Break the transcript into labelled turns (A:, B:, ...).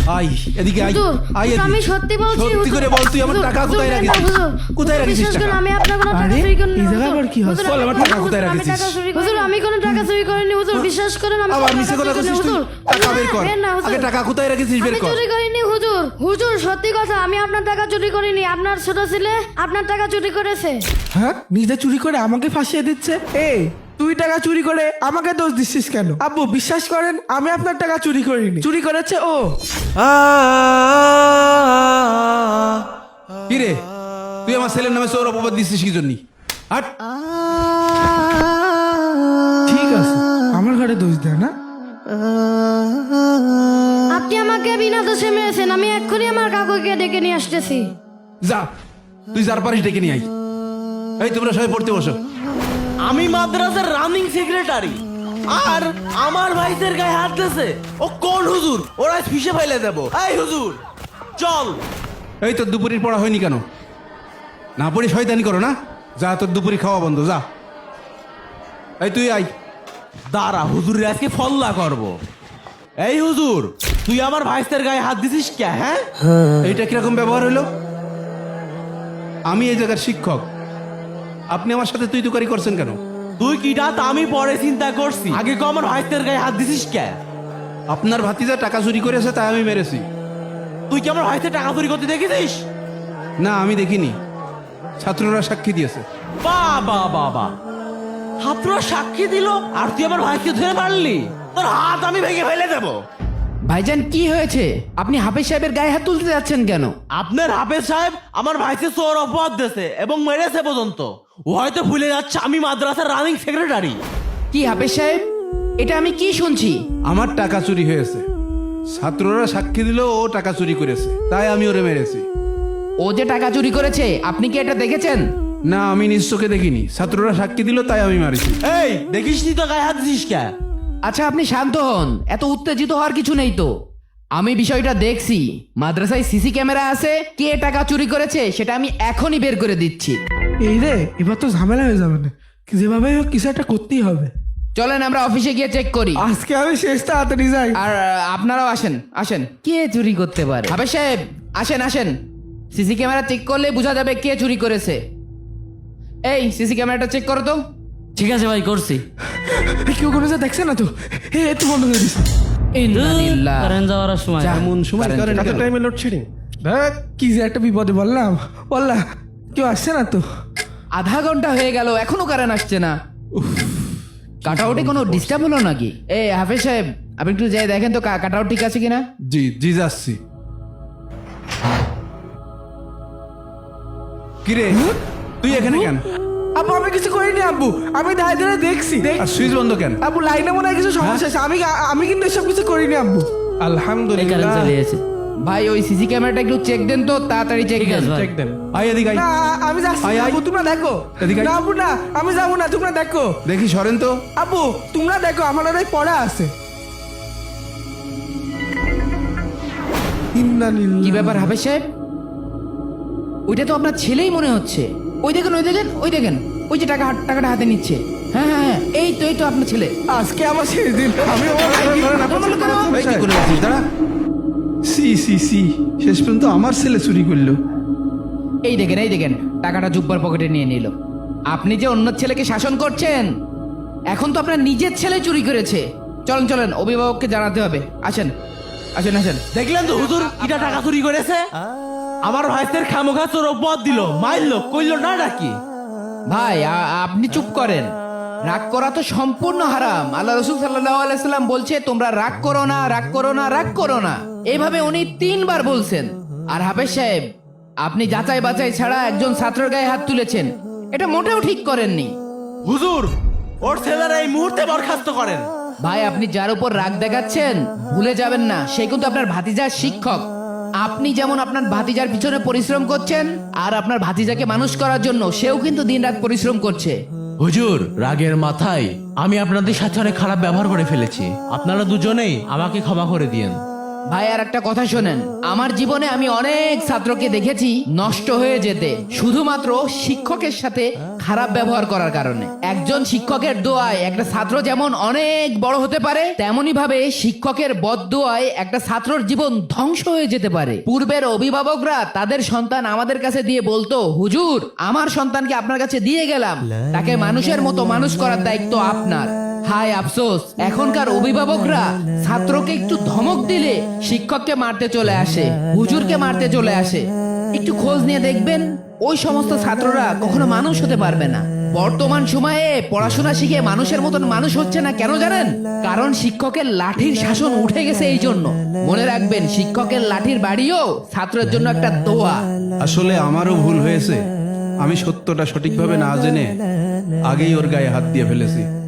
A: I এদিকে I
B: হুজুর,
A: I
B: হুজুর,
A: এদিকে।
B: আমি সত্যি বলছি
A: সত্যি
B: হুজুর।
A: করে বল তুই আমার
B: হুজুর,
A: টাকা
B: হুজুর,
A: কোথায় রাখিস?
B: হুজুর,
A: কোথায় রাখিস
B: বিশ্বাস করুন,
A: টাকা?
B: আমি আপনার কোনো টাকা
C: আরে,
B: চুরি করিনি,
C: এই জায়গায়
B: হুজুর।
C: আবার কি হচ্ছে?
B: হুজুর,
A: বল, আমার টাকা কোথায়
B: হুজুর, আমি
A: রাখিস?
B: টাকা চুরি করিনি। হুজুর, আমি কোনো টাকা চুরি করিনি, হুজুর, বিশ্বাস করেন, আমি
A: আবার
B: কোনো
A: মিছে
B: টাকা
A: কথা
B: চুরি
A: কইছিস
B: করিনি,
A: তুই?
B: হুজুর।
A: টাকা বের
B: না,
A: কর।
B: বের না, হুজুর।
A: আগে টাকা কোথায় রাখিস বের
B: আমি
A: কর।
B: চুরি করিনি, হুজুর। হুজুর, সত্যি কথা, আমি আপনার টাকা চুরি করিনি। আপনার ছোট ছেলে আপনার টাকা চুরি করেছে।
C: হ্যাঁ, নিজে চুরি করে আমাকে ফাঁসিয়ে দিচ্ছে। এই, তুই টাকা চুরি করে আমাকে দোষ দিচ্ছিস কেন? আব্বু, বিশ্বাস করেন, আমি আপনার টাকা চুরি করিনি, চুরি করেছে ও।
A: কি রে তুই আমার ছেলের নামে চোর অপবাদ দিচ্ছিস কি জন্য? হাট।
C: ঠিক আছে, আমার ঘরে দোষ দেয় না।
B: আপনি আমাকে বিনা দোষে মেরেছেন। আমি এক্ষুনি আমার কাকুকে ডেকে নিয়ে আসতেছি।
A: যা, তুই যার পারিস ডেকে নিয়ে আই। এই তোমরা সবাই পড়তে বসো।
D: আমি মাদ্রাসার রানিং সেক্রেটারি, আর আমার ভাইদের গায়ে হাত দিয়েছে। ও কোন হুজুর? ওরা ফিসে ফাইলে দেব। এই হুজুর চল।
A: এই তোর দুপুরের পড়া হয়নি কেন? না পড়ি শয়তানি করো না? যা, তোর দুপুরি খাওয়া বন্ধ, যা। এই তুই আই।
D: দাঁড়া, হুজুরের আজকে ফল্লা করব। এই হুজুর, তুই আমার ভাইদের গায়ে হাত দিছিস কে? হ্যাঁ,
A: এইটা কিরকম ব্যবহার হলো? আমি এই জায়গার শিক্ষক, আপনি আমার সাথে তুই তুকারি করছেন কেন?
D: তুই কিটা তা আমি পরে চিন্তা করছি, আগে কো আমার ভাইদের গায়ে হাত দিছিস কে?
A: আপনার ভাতিজা টাকা চুরি করেছে তাই আমি মেরেছি।
D: তুই কি আমার ভাইদের টাকা চুরি করতে দেখেছিস?
A: না, আমি দেখিনি, ছাত্ররা সাক্ষী দিয়েছে।
D: বাবা বাবা, ছাত্ররা সাক্ষী দিল আর তুই আমার ভাইকে ধরে মারলি? তোর হাত আমি ভেঙে ফেলে দেবো।
E: ভাইজান কি হয়েছে? আপনি হাফেজ সাহেবের গায়ে হাত তুলতে যাচ্ছেন কেন?
D: আপনার হাফেজ সাহেব আমার ভাইকে চোর অপবাদ দিয়েছে এবং মেরেছে পর্যন্ত। ও হয়তো ভুলে যাচ্ছে আমি মাদ্রাসার রানিং সেক্রেটারি।
E: কি হাফেজ সাহেব, এটা আমি কি শুনছি?
A: আমার টাকা চুরি হয়েছে, ছাত্ররা সাক্ষী দিল ও টাকা চুরি করেছে, তাই আমি ওরে মেরেছি।
E: ও যে টাকা চুরি করেছে আপনি কি এটা দেখেছেন?
A: না, আমি নিজ চোখে দেখিনি, ছাত্ররা সাক্ষী দিল তাই আমি মারিছি।
D: এই দেখিস নি তো গায়ে হাত দিস কে?
E: আচ্ছা আপনি শান্ত হন, এত উত্তেজিত হওয়ার কিছু নেই তো। আমি বিষয়টা দেখছি, মাদ্রাসায় সিসি ক্যামেরা আছে, কে টাকা চুরি করেছে সেটা আমি এখনই বের করে দিচ্ছি।
C: এই রে, এবার তো ঝামেলা হয়ে যাবে না, যেভাবে হোক কিছু একটা করতেই হবে।
E: চলেন আমরা অফিসে গিয়ে চেক করি।
C: আজকে আমি শেষ তাড়াতাড়ি যাই।
E: আর আপনারাও আসেন আসেন। কে চুরি করতে পারে? হাফেজ সাহেব আসেন আসেন, সিসি ক্যামেরা চেক করলে বোঝা যাবে কে চুরি করেছে। এই সিসি ক্যামেরাটা চেক করো তো।
F: ঠিক আছে ভাই, করছি।
C: কেউ কোনো যা দেখছে না তো? একটু বন্ধ করে দিস।
E: ইন্নালিল্লাহ।
F: কারেন্ট যাওয়ার সময়
A: এমন সময় করেন
C: এত
A: কেন?
C: টাইমে লোডশেডিং, দেখ কি যে একটা বিপদে বললাম। কেউ আসছে না তো?
E: আধা ঘন্টা হয়ে গেল এখনো কারেন্ট আসছে না। কাটাউটে কোনো ডিস্টার্ব হলো নাকি? এ হাফেজ সাহেব, আপনি একটু যাই দেখেন তো কাটাউট ঠিক আছে কিনা।
A: জি জি, যাচ্ছি। কিরে তুই এখানে কেন?
C: আব্বু, আমি কিছু করিনি আব্বু, আমি দাঁড়িয়ে দাঁড়িয়ে দেখছি।
A: আর সুইচ বন্ধ কেন?
C: আব্বু, লাইনে মনে হয় কিছু সমস্যা আছে। আমি কিন্তু এসব কিছু করিনি আব্বু।
F: এই কারেন্ট
A: আলহামদুলিল্লাহ।
F: চলে গেছে।
E: ভাই ওই সিসি ক্যামেরাটা একটু চেক দেন তো, তাড়াতাড়ি চেক
F: ঠিক
E: দেন।
F: আছে ভাই।
A: চেক দেন। আই এদিকে আই।
C: না, আমি যাচ্ছি
A: আয়,
C: না,
A: আয়।
C: আব্বু, তোমরা দেখো।
A: এদিকে আয়।
C: না আব্বু, না, আমি যাবো না, তোমরা দেখো।
A: দেখি সরেন তো।
C: আব্বু, তোমরা দেখো, আমার ওই পড়া আছে।
E: কি ব্যাপার হাফেজ সাহেব? ওইটা তো আপনার ছেলেই মনে হচ্ছে। ওই দেখেন ওই দেখেন ওই দেখেন, ওই যে টাকাটা হাতে নিচ্ছে। হ্যাঁ হ্যাঁ হ্যাঁ, এই তো আপনার ছেলে।
C: আজকে আমার শেষ দিন। আমি আমার ভাইকে-
A: এই কি করে যাচ্ছিস? দাঁড়া। সি সি সি, শেষ পর্যন্ত আমার ছেলে চুরি করলো।
E: এই দেখেন টাকাটা জুব্বার পকেটে নিয়ে নিল। আপনি যে অন্য ছেলেকে শাসন করছেন, এখন তো আপনার নিজের ছেলে চুরি করেছে। চলেন অভিভাবককে জানাতে হবে। আসেন আসেন আসেন।
D: দেখলেন তো হুজুর কিটা টাকা চুরি করেছে? আমার ভাইদের খামোখা চোর অপবাদ দিল, মারলো, কইলো না নাকি?
E: ভাই আপনি চুপ করেন। রাগ করা তো সম্পূর্ণ হারাম। আল্লাহ রসুল সাল্লাল্লাহু আলাইহি সাল্লাম বলছে তোমরা রাগ করো না, রাগ করো না, রাগ করো না। এইভাবে উনি 3 বার বলছেন। আর হাফেজ সাহেব, আপনি যাচাই বাছাই ছাড়া একজন ছাত্রের গায়ে হাত তুলেছেন, এটা মোটেও ঠিক করেননি।
D: হুজুর, ওর ছেলেরা এই মুহূর্তে বরখাস্ত করেন।
E: ভাই আপনি যার উপর রাগ দেখাচ্ছেন, ভুলে যাবেন না সে কিন্তু আপনার ভাতিজার শিক্ষক। আপনি যেমন আপনার ভাতিজার পিছনে পরিশ্রম করছেন, আর আপনার ভাতিজাকে মানুষ করার জন্য সেও কিন্তু দিনরাত পরিশ্রম করছে।
D: হুজুর, রাগের মাথায় আমি আপনাদের সাথে অনেক খারাপ ব্যবহার করে ফেলেছি। আপনারা দুজনেই আমাকে ক্ষমা করে দিয়েন।
E: ভাই আর একটা কথা শোনেন, আমার জীবনে আমি অনেক ছাত্রকে দেখেছি নষ্ট হয়ে যেতে শুধুমাত্র শিক্ষকের সাথে খারাপ ব্যবহার করার কারণে। একজন শিক্ষকের দোয়ায় একটা ছাত্র যেমন অনেক বড় হতে পারে, তেমনি ভাবে শিক্ষকের বদদোয়ায় একটা ছাত্রর জীবন ধ্বংস হয়ে যেতে পারে। পূর্বের অভিভাবকরা তাদের সন্তান আমাদের কাছে দিয়ে বলতো, হুজুর আমার সন্তানকে আপনার কাছে দিয়ে গেলাম, তাকে মানুষের মতো মানুষ করার দায়িত্ব আপনার। হায় আফসোস, এখনকার অভিভাবকরা ছাত্রকে একটু ধমক দিলে শিক্ষককে মারতে চলে আসে, হুজুরকে মারতে চলে আসে। একটু খোঁজ নিয়ে দেখবেন ওই সমস্ত ছাত্ররা কখনো মানুষ হতে পারবে না। বর্তমান সময়ে পড়াশোনা শিখে মানুষের মতন মানুষ হচ্ছে না, কেন জানেন? কারণ শিক্ষকের লাঠির শাসন উঠে গেছে। এই জন্য মনে রাখবেন, শিক্ষকের লাঠির বাড়িও ছাত্রের জন্য একটা দোয়া।
A: আসলে আমারও ভুল হয়েছে, আমি সত্যটা সঠিকভাবে না জেনে আগেই ওর গায়ে হাত দিয়ে ফেলেছি।